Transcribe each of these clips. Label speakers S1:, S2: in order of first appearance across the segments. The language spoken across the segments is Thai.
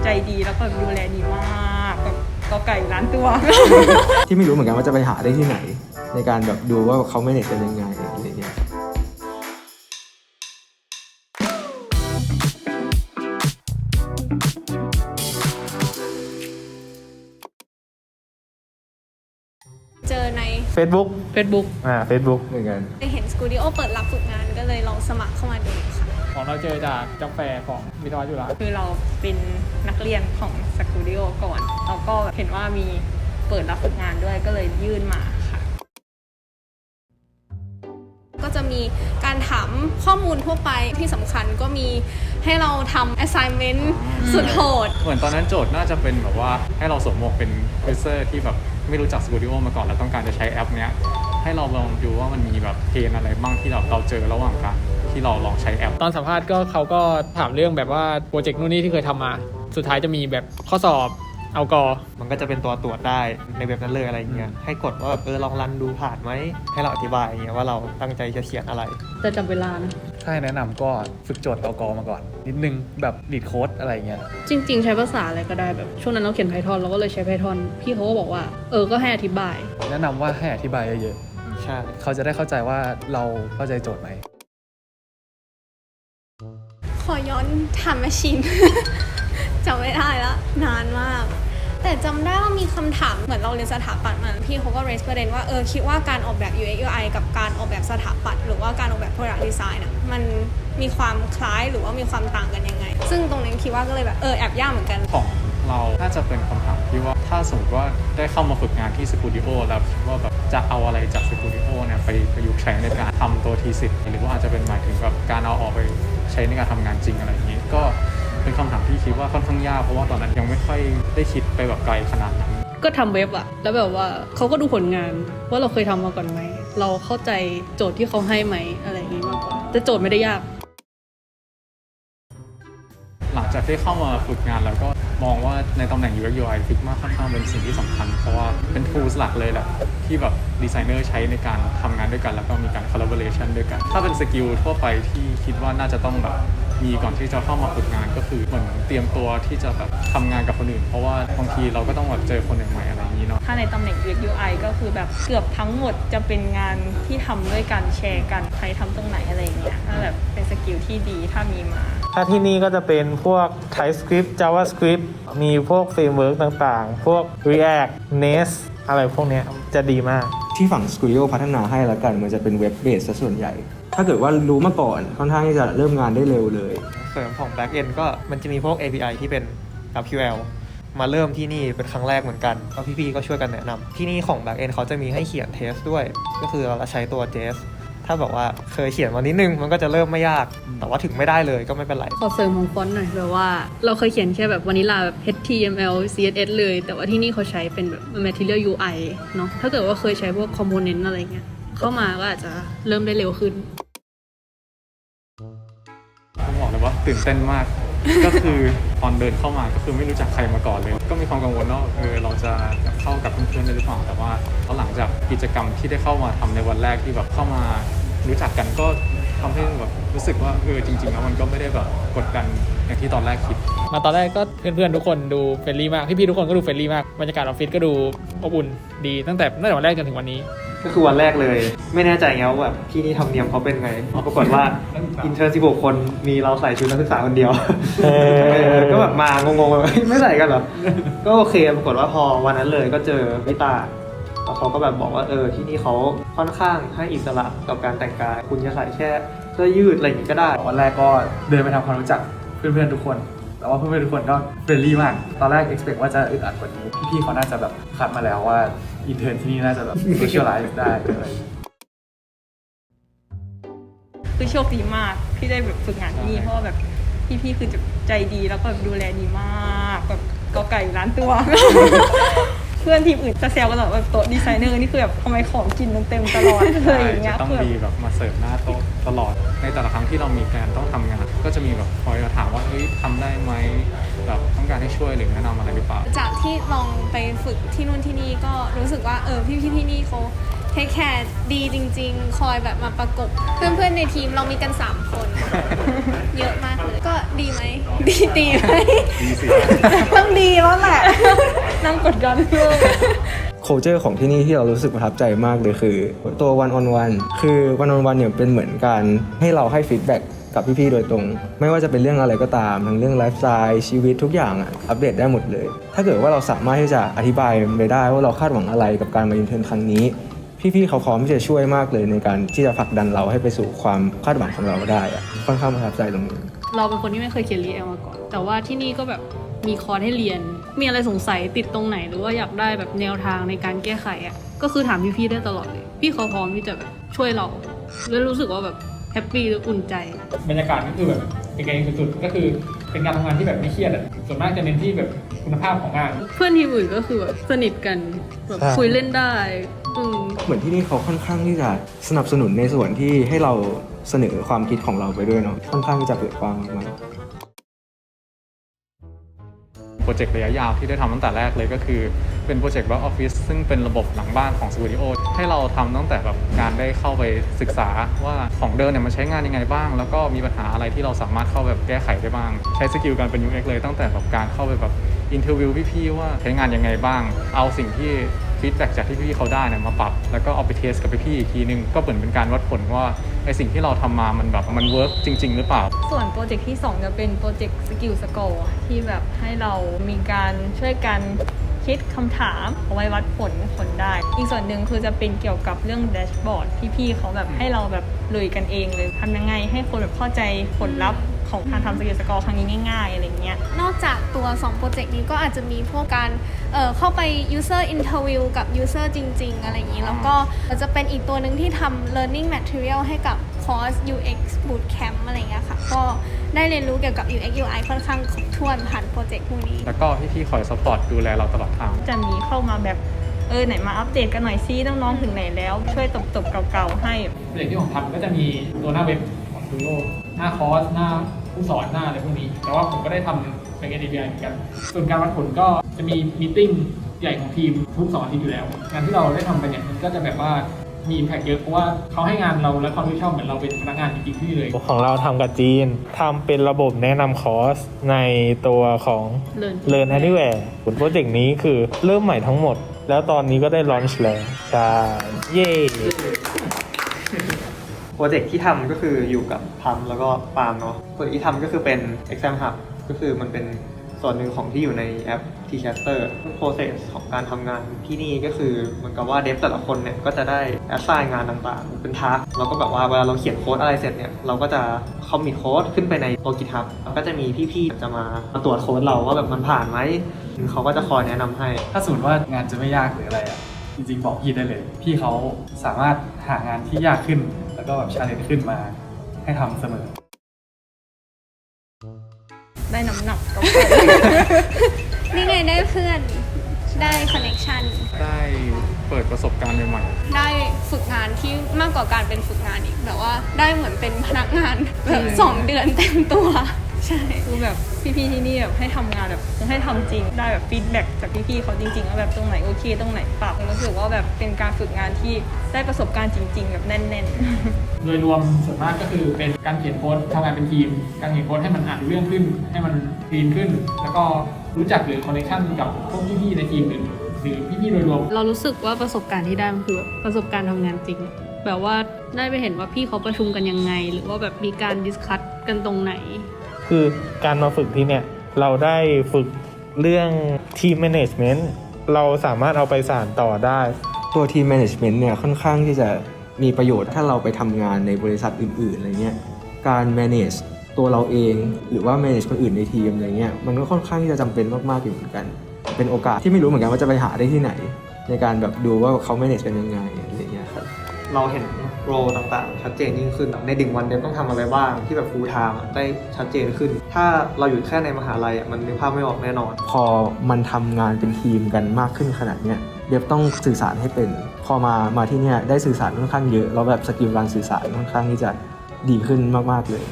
S1: ใจดีแล้วก็ดูแลดีมากแบบก็ไก่ล้านตัว
S2: ที่ไม่รู้เหมือนกันว่าจะไปหาได้ที่ไหนในการแบบดูว่าเขาไม่เน็ตกันยังไงอะไรเงี้ย
S3: เจอใน
S4: Facebook
S1: Facebook
S4: Facebook
S2: เหมือนกัน
S3: ไปเห็นสตูดิโอเปิดรับฝึกงานก็เลยลองสมัครเข้ามาดูค่ะ
S5: ของเราเจอจากกาแฟของวิทยาจุฬา
S1: คือเราเป็นนักเรียนของสตูดิโอก่อนแล้วก็เห็นว่ามีเปิดรับฝึกงานด้วยก็เลยยื่นมาค่ะ
S3: ก็จะมีการถามข้อมูลทั่วไปที่สำคัญก็มีให้เราทำ assignment สุดโหด
S6: เหมือนตอนนั้นโจทย์น่าจะเป็นแบบว่าให้เราสวมหมวกเป็นเพรสเซอร์ที่แบบไม่รู้จักสตูดิโอมาก่อนแล้วต้องการจะใช้แอปเนี้ยให้เราลองดูว่ามันมีแบบเพนอะไรบ้างที่เราเจอระหว่างการที่เราลองใช้แอป
S5: ตอนสัมภาษณ์ก็เขาก็ถามเรื่องแบบว่าโปรเจกต์นู่นนี่ที่เคยทำมาสุดท้ายจะมีแบบข้อสอบเอากอ
S4: มันก็จะเป็นตัวตรวจได้ในเว็บนั้นเลยอะไรเงี้ยให้กดว่าแบบลองรันดูผ่านไหมให้เราอธิบายอย่างเงี้ยว่าเราตั้งใจจะเขียนอะไร
S1: จะจำเวลานะ
S7: ถ้าให้แนะนำก็ฝึกโจทย์เอากอมาก่อนนิดนึงแบบดีดโค้ดอะไรเงี้ย
S1: จริงๆใช้ภาษาอะไรก็ได้แบบช่วงนั้นเราเขียน Python เราก็เลยใช้ Python พี่เขาก็บอกว่าก็ให้อธิบาย
S7: แนะนำว่าให้อธิบายเยอะ
S4: ๆใช่
S7: เขาจะได้เข้าใจว่าเราเข้าใจโจทย์ไหม
S3: ขอย้อนถามแมชชีน จำไม่ได้แล้วนานมากแต่จำได้ว่ามีคำถามเหมือนเราเรียนสถาปัตย์มาพี่เขาก็ raise ประเด็นว่าคิดว่าการออกแบบ UX UI กับการออกแบบสถาปัตย์หรือว่าการออกแบบ product design น่ะมันมีความคล้ายหรือว่ามีความต่างกันยังไงซึ่งตรงนี้คิดว่าก็เลยแบบแอบยากเหมือนกัน
S6: ของเราน่าจะเป็นคำถามที่ว่าถ้าสมมติว่าได้เข้ามาฝึกงานที่สตูดิโอแล้วคิดว่าแบบจะเอาอะไรจากสตูดิโอเนี่ยไปประยุกต์ใช้ในการทำตัวทีสิทธ์หรือว่าอาจจะเป็นหมายถึงแบบการเอาออกไปใช้ในการทำงานจริงอะไรอย่างนี้ก็เป็นคำถามที่คิดว่าค่อนข้างยากเพราะว่าตอนนั้นยังไม่ค่อยได้คิดไปแบบไกลขนาดนั้น
S1: ก็ทำเว็บอะแล้วแบบว่าเขาก็ดูผลงานว่าเราเคยทำมาก่อนไหมเราเข้าใจโจทย์ที่เขาให้ไหมอะไรอย่างนี้มากกว่าแต่โจทย์ไม่ได้ยาก
S6: หลังจากที่เข้ามาฝึกงานแล้วก็มองว่าในตำแหน่ง UX UI Figma ค่อนข้างเป็นสิ่งที่สำคัญเพราะว่าเป็น tools หลักเลยแหละที่แบบดีไซเนอร์ใช้ในการทำงานด้วยกันแล้วก็มีการ collaboration ด้วยกันถ้าเป็นสกิลทั่วไปที่คิดว่าน่าจะต้องแบบมีก่อนที่จะเข้ามาฝึกงานก็คือเหมือนเตรียมตัวที่จะแบบทำงานกับคนอื่นเพราะว่าบางทีเราก็ต้องแบบเจอคนใหม่ๆอะไรอย่างนี้เนาะ
S1: ถ้าในตำแหน่ง UX UI ก็คือแบบเกือบทั้งหมดจะเป็นงานที่ทำด้วยกันแชร์กันใครทำตรงไหนอะไรอย่างเงี้ยก็แบบเป็นสกิลที่ดีถ้ามีมา
S4: ถ้าที่นี่ก็จะเป็นพวก TypeScript JavaScript มีพวกเฟรมเวิร์กต่างๆพวก React Nest อะไรพวกเนี้ยจะดีมาก
S2: ที่ฝั่ง Studio พัฒนาให้แล้วกันมันจะเป็นเว็บเบสซะส่วนใหญ่ถ้าเกิดว่ารู้มาก่อนค่อนข้างที่จะเริ่มงานได้เร็วเลย
S4: เสริมของ Backend ก็มันจะมีพวก API ที่เป็น GraphQL มาเริ่มที่นี่เป็นครั้งแรกเหมือนกันแล้วพี่ๆก็ช่วยกันแนะนำที่นี่ของ Backend เขาจะมีให้เขียนเทสด้วยก็คือเราใช้ตัว JS ถ้าบอกว่าเคยเขียนมานิดนึงมันก็จะเริ่มไม่ยากแต่ว่าถึงไม่ได้เลยก็ไม่เป็นไร
S1: ขอเสริมของฟอนต์หน่อยแบบว่าเราเคยเขียนแค่แบบวานิลาแบบ HTML CSS เลยแต่ว่าที่นี่เขาใช้เป็นแบบ Material UI เนาะถ้าเกิดว่าเคยใช้พวก Component อะไรเงี้ยเข้ามาก็อาจจะเริ่มได้เร็วขึ้น
S6: ต้องบอกเลยว่าตื่นเต้นมาก ก็คือตอนเดินเข้ามาก็คือไม่รู้จักใครมาก่อนเลยก็มีความกังวลว่าเราจะเข้ากับเพื่อนๆได้หรือเปล่าแต่ว่าหลังจากกิจกรรมที่ได้เข้ามาทำในวันแรกที่แบบเข้ามารู้จักกันก็ทำให้แบบรู้สึกว่าจริงๆแล้วมันก็ไม่ได้แบบกดดันอย่างที่ตอนแรกคิด
S5: มาตอนแรกก็เพื่อนๆทุกคนดูเฟรนลี่มากพี่ๆทุกคนก็ดูเฟรนลี่มากบรรยากาศออฟฟิศก็ดูอบอุ่นดีตั้งแต่วันแรกจนถึงวันนี้
S4: ก็คือวันแรกเลยไม่แน่ใจไงว่าแบบที่นี่ทำเนียมเขาเป็นไงปรากฏว่าอินเทอร์16คนมีเราใส่ชุดนักศึกษาคนเดียวก็แบบมางงๆไม่ใส่กันเหรอก็โอเคปรากฏว่าพอวันนั้นเลยก็เจอพี่ตาแล้วเขาก็แบบบอกว่าที่นี่เขาค่อนข้างให้อิสระกับการแต่งกายคุณจะใส่แค่เสื้อยืดอะไรอย่างนี้ก็ได้
S7: วันแรกก็เดินไปทำความรู้จักเพื่อนๆทุกคนแต่ว่าเพื่อนๆทุกคนก็เฟรนลี่มากตอนแรก expect ว่าจะอึดอัดกว่านี้พี่ๆเขาน่าจะแบบคัดมาแล้วว่าอินเทอร์ที่นี่น่าจะแบบ socialize ได้อะไร
S1: คือโชคดีมากที่ได้แบบฝึกงานที่นี่เพราะว่าแบบพี่ๆคือจะใจดีแล้วก็ดูแลดีมากแบบก็ไก่ล้านตัว เพื่อนทีมอื่นจะแซวกันตลอดแบบโต๊ะดีไซเนอร์นี่คือแบบทำไมของกินมันเต็มตลอดเลยอย่างเงี้ย
S6: ต้องมีแบบมาเสิร์ฟหน้าโต๊ะตลอดในแต่ละครั้งที่เรามีการต้องทำงานก็จะมีแบบคอยมาถามว่าทำได้ไหมแบบต้องการให้ช่วยหรือแนะนำอะไรหรือเปล่า
S3: จากที่ลองไปฝึกที่นู่นที่นี่ก็รู้สึกว่าพี่ที่นี่เขาเทคแคร์ดีจริงๆคอยแบบมาประกบเพื่อนๆในทีมเรามีกัน3คน เยอะมากเลยก็ดีไหมดีไหม
S6: ดีสิ
S3: ต้องดีแล้วแหละ
S1: นั่งกดดันเลย
S2: culture ของที่นี่ที่เรารู้สึกประทับใจมากเลยคือตัว one on one คือ one on one เนี่ยเป็นเหมือนการให้เราให้ feedback กับพี่ๆโดยตรง ไม่ว่าจะเป็นเรื่องอะไรก็ตามทั้งเรื่องไลฟ์สไตล์ชีวิตทุกอย่างอัปเดตได้หมดเลย ถ้าเกิดว่าเราสามารถที่จะอธิบายไปได้ว่าเราคาดหวังอะไรกับการมาอินเทอร์นครั้งนี้พี่ๆเขาพร้อมที่จะช่วยมากเลยในการที่จะผลักดันเราให้ไปสู่ความคาดหวังของเราได้ค่อนข้างประทับใจตรงนี้
S8: เราเป็นคนที่ไม่เคยเขียนรีแอลมาก่อน แต่ว่าที่นี่ก็แบบมีคอร์สให้เรียน มีอะไรสงสัยติดตรงไหนหรือว่าอยากได้แบบแนวทางในการแก้ไขอ่ะ ก็คือถามพี่ๆได้ตลอดเลย พี่เขาพร้อมที่จะแบบช่วยเราแล้วรู้สึกว่าแบบแฮปปี้และอุ่นใจ
S5: บรรยากาศก็คือแบบเป็นกันเองสุดๆก็คือเป็นการทำงานที่แบบไม่เครียดอ่ะส่วนมากจะเน้นที่แบบคุณภาพของงาน
S8: เพื่อนทีมอื่นก็คือแบบสนิทกันแบบ
S2: ใช่
S8: คุยเล่นได้อืม
S2: เหมือนที่นี่เขาค่อนข้างที่จะสนับสนุนในส่วนที่ให้เราเสนอความคิดของเราไปด้วยเนาะค่อนข้างที่จะเปิดกว้างมากๆ
S6: โปรเจกต์ระยะยาวที่ได้ทำตั้งแต่แรกเลยก็คือเป็นโปรเจกต์ Back Office ซึ่งเป็นระบบหลังบ้านของ Studio ให้เราทำตั้งแต่แบบการได้เข้าไปศึกษาว่าของเดิมเนี่ยมันใช้งานยังไงบ้างแล้วก็มีปัญหาอะไรที่เราสามารถเข้าแบบแก้ไขได้บ้างใช้สกิลการเป็น UX เลยตั้งแต่แบบการเข้าไปแบบอินเทอร์วิวพี่ๆว่าใช้งานยังไงบ้างเอาสิ่งที่ฟีดแบ็กจากที่พี่ๆเขาได้เนี่ยมาปรับแล้วก็เอาไปเทสกับพี่ๆอีกทีนึงก็เหมือนเป็นการวัดผลว่าไอสิ่งที่เราทำมามันแบบมันเวิร์กจริงๆหรือเปล่า
S1: ส่วนโปรเจกต์ที่ 2 จะเป็นโปรเจกต์สกิลสกอร์ที่แบบให้เรามีการช่วยกันคิดคำถามเอาไว้วัดผลได้ อีกส่วนหนึ่งคือจะเป็นเกี่ยวกับเรื่องแดชบอร์ดพี่ๆเขาแบบให้เราแบบลุยกันเองเลยทำยังไงให้คนแบบเข้าใจผลลัพธ์ของการทำสกิลสกอร์ครั้งนี้ง่ายๆอะไรเงี้ย
S3: นอกจากตัว2โปรเจกต์นี้ก็อาจจะมีพวกการเข้าไป user interview กับ user จริงๆอะไรอย่างนี้แล้วก็จะเป็นอีกตัวหนึ่งที่ทำ learning material ให้กับคอร์ส UX bootcamp อะไรอย่างเงี้ยค่ะก็ได้เรียนรู้เกี่ยวกับ UX UI ค่อนข้างครบถ้วนผ่านโปรเจกต์พวกนี้
S6: แล้วก็พี่ๆคอยซัพพอร์ตดูแลเราตลอดทาง
S1: จะมีเข้ามาแบบไหนมาอัปเดตกันหน่อยซิน้องๆถึงไหนแล้วช่วยตบๆเก่าๆให้
S5: โปรเจกต์ที่ผมทำก็จะมีตัวหน้าเว็บของ Studio หน้าคอร์สหน้าผู้สอนหน้าอะไรพวกนี้ แต่ว่าผมก็ได้ทำเป็น API เหมือนกัน ส่วนการวัดผลก็จะมีมีติ้งใหญ่ของทีมทุก2 อาทิตย์อยู่แล้ว งานที่เราได้ทำไปเนี่ยมันก็จะแบบว่ามี impact เยอะเพราะว่าเขาให้งานเราและความรับผิดชอบเหมือนเราเป็นพนักงานจริงๆที่เลย
S9: ของเราทำกับจีนทำเป็นระบบแนะนำคอร์สในตัวของ Learn Anywhere ผลโปรเจกต์นี้คือเริ่มใหม่ทั้งหมด แล้วตอนนี้ก็ได้ลอนช์แล้วใช่เย้
S4: โปรเจกต์ที่ทำก็คืออยู่กับพัมแล้วก็ปาล์มเนาะโปรเจกต์ที่ทำก็คือเป็น Exam Hub ก็คือมันเป็นส่วนหนึ่งของที่อยู่ในแอป Tcaster process ของการทำงานที่นี่ก็คือเหมือนกับว่าเดฟแต่ละคนเนี่ยก็จะได้ assign งานต่างๆเป็นทาร์กแล้วก็แบบว่าเวลาเราเขียนโค้ดอะไรเสร็จเนี่ยเราก็จะ commit โค้ดขึ้นไปในตัว GitHub แล้วก็จะมีพี่ๆจะมาตรวจโค้ดเราว่าแบบมันผ่านไหมเขาก็จะคอยแนะนำให้
S7: ถ้าสมมติว่างานจะไม่ยากหรืออะไรอ่ะจริงๆบอกพี่ได้เลย พี่เขาสามารถหางานที่ยากขึ้น แล้วก็แบบชาเลนจ์ขึ้นมาให้ทำเสมอ
S1: ได้น้ำหนักก็
S3: นี่ไงได้เพื่อนได้คอนเน c ชัน
S6: ได้เปิดประสบการณ์ใหม่ๆ
S3: ได้ฝึกงานที่มากกว่าการเป็นฝึกงานอีกแบบว่าได้เหมือนเป็นพนักงานแบบ2 เดือนเต็มตัวใช่
S1: คือแบบพี่ๆที่นี่แบบให้ทำงานแบบให้ทำจริงได้แบบฟีดแบ็กจากพี่ๆเขาจริงๆว่าแบบตรงไหนโอเคตรงไหนปรับรู้สึกว่าแบบเป็นการฝึกงานที่ได้ประสบการณ์จริง ๆ แบบแน่นๆ
S5: โดยรวมส่วนมากก็คือเป็นการเขียนโค้ดทำงานเป็นทีม การเขียนโค้ดให้มันอ่านรู้เรื่องขึ้น ให้มันคลีนขึ้น แล้วก็รู้จักหรือคอนเนคชั่นกับพวกพี่ๆในทีมหรือพี่ๆโดยรวม
S8: เรารู้สึกว่าประสบการณ์ที่ได้มันคือแบบประสบการณ์ทำงานจริง แบบว่าได้ไปเห็นว่าพี่เขาประชุมกันยังไง หรือว่าแบบมีการดิสคัสกันตรงไหน
S9: คือการมาฝึกที่เนี่ยเราได้ฝึกเรื่อง Team Management เราสามารถเอาไปสานต่อได้
S2: ตัวทีม management เนี่ยค่อนข้างที่จะมีประโยชน์ถ้าเราไปทำงานในบริษัทอื่นๆอะไรเงี้ยการ manage ตัวเราเองหรือว่า manage คนอื่นในทีมอะไรเงี้ยมันก็ค่อนข้างที่จะจำเป็นมากๆอยู่เหมือนกันเป็นโอกาสที่ไม่รู้เหมือนกันว่าจะไปหาได้ที่ไหน ในการแบบดูว่าเขา manage กันยังไงอะไรเงี้ยครับ
S4: เราเห็นโรต่างๆชัดเจนยิ่งขึ้นใน1 วันเดฟต้องทำอะไรบ้างที่แบบ full time ได้ชัดเจนขึ้น ถ้าเราอยู่แค่ในมหาลัยมันนึกภาพไม่ออกแน่นอน
S2: พอมันทำงานเป็นทีมกันมากขึ้นขนาดเนี้ยเดฟต้องสื่อสารให้เป็นพอมาที่เนี่ยได้สื่อสารค่อนข้างเยอะแล้วแบบสกิลการสื่อสารค่อนข้างที่จะดีขึ้นมากๆเลย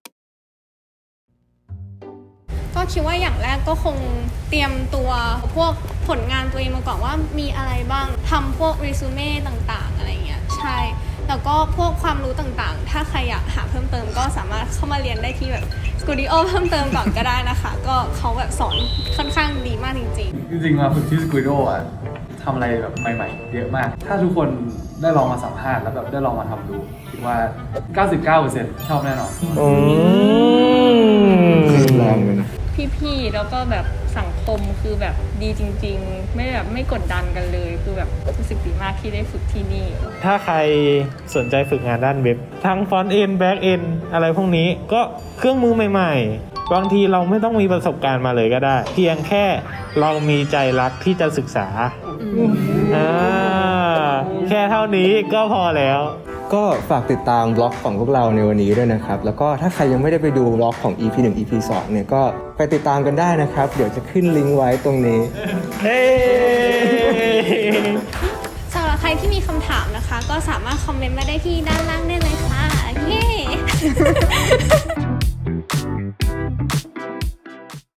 S3: ก็คิดว่าอย่างแรกก็คงเตรียมตัวพวกผลงานตัวเองมาก่อนว่ามีอะไรบ้างทำพวกรีซูเม่ต่างๆอะไรเงี้ยใช่แแล้วก็พวกความรู้ต่างๆ ถ้าใครอยากหาเพิ่มเติมก็สามารถเข้ามาเรียนได้ที่แบบสตูดิโอเพิ่มเติมก่อนก็ได้นะคะ ก็เขาแบบสอนค่อนข้างดีมากจริง
S7: จริงๆมาฝึกที่สกูโดอ่ะทำอะไรแบบใหม่ๆ เยอะมาก ถ้าทุกคนได้ลองมาสัมภาษณ์แล้วแบบได้ลองมาทำดูคิดว่า 99% ชอบแน่นอน
S2: แรงเลยนะ
S1: พี่ๆแล้วก็แบบสังคมคือแบบดีจริงๆ ไม่แบบไม่กดดันกันเลยคือแบบรู้สึกดีมากที่ได้ฝึกที่นี่
S9: ถ้าใครสนใจฝึกงานด้านเว็บ ทั้ง front end back end อะไรพวกนี้ก็เครื่องมือใหม่ๆ บางทีเราไม่ต้องมีประสบการณ์มาเลยก็ได้ เพียงแค่เรามีใจรักที่จะศึกษาแค่เท่านี้ก็พอแล้ว
S2: ก็ฝากติดตามบล็อกของพวกเราในวันนี้ด้วยนะครับ แล้วก็ถ้าใครยังไม่ได้ไปดูบล็อกของ EP 1 EP 2 เนี่ยก็ไปติดตามกันได้นะครับ เดี๋ยวจะขึ้นลิงก์ไว้ตรงนี้
S3: ๆสำหรับใครที่มีคำถามนะคะ ก็สามารถคอมเมนต์มาได้ที่ด้านล่างได้เลยค่ะเย้